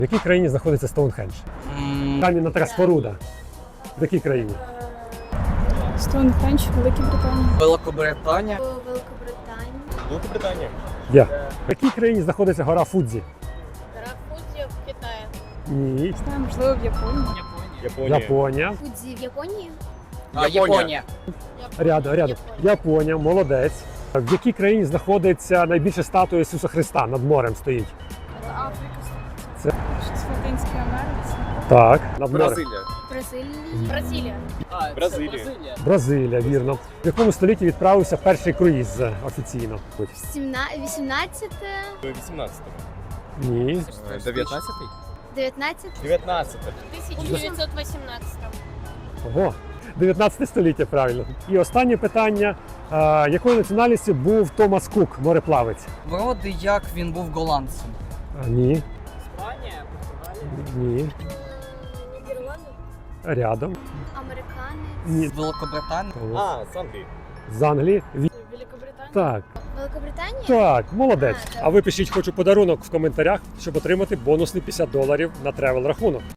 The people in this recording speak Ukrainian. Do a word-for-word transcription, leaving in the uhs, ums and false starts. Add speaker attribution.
Speaker 1: В якій країні знаходиться Стоунхендж?
Speaker 2: М,
Speaker 1: Кам'яна така споруда. В якій країні?
Speaker 3: Стоунхендж, Великій Британії.
Speaker 2: Великобританія.
Speaker 4: Великобританії.
Speaker 5: Великобританія.
Speaker 1: Я. В якій країні знаходиться гора Фудзі?
Speaker 4: Рафудзі в Китаї.
Speaker 1: Ні.
Speaker 3: Знаю, можливо, в Японії.
Speaker 5: Японія.
Speaker 1: Японія.
Speaker 4: Фудзі в Японії?
Speaker 2: А, Японія.
Speaker 1: Рядом, рядом.
Speaker 4: Японія.
Speaker 1: Японія, молодець. В якій країні знаходиться найбільша статуя Ісуса Христа? Над морем стоїть.
Speaker 3: Африка.
Speaker 1: Це-
Speaker 3: Щось в Латинській Америці.
Speaker 1: Так, над морем.
Speaker 5: Бразилія.
Speaker 4: Бразилія. Бразилія.
Speaker 5: Бразилія.
Speaker 1: Бразилія, вірно. В якому столітті відправився перший круїз е, офіційно?
Speaker 4: Сімна- вісімнадцяте,
Speaker 5: вісімнадцятого.
Speaker 1: Ні.
Speaker 5: дев'ятнадцятий?
Speaker 4: дев'ятнадцяте,
Speaker 5: дев'ятнадцятий.
Speaker 4: тисяча дев'ятсот вісімнадцяте.
Speaker 1: Ого, дев'ятнадцяте століття, правильно. І останнє питання. А, якої національності був Томас Кук, мореплавець?
Speaker 2: Вроде як він був голландцем.
Speaker 1: А, ні.
Speaker 2: Іспанія,
Speaker 1: Ні.
Speaker 4: Нідерланди,
Speaker 1: Рядом.
Speaker 4: американець,
Speaker 1: Ні.
Speaker 2: Великобританія.
Speaker 5: А, з Англії.
Speaker 1: З Англії. Ві-
Speaker 3: Великобританія.
Speaker 1: Так,
Speaker 4: Великобританія.
Speaker 1: так, молодець.
Speaker 4: А, так.
Speaker 1: А ви пишіть хочу подарунок в коментарях, щоб отримати бонусний п'ятдесят доларів на тревел рахунок.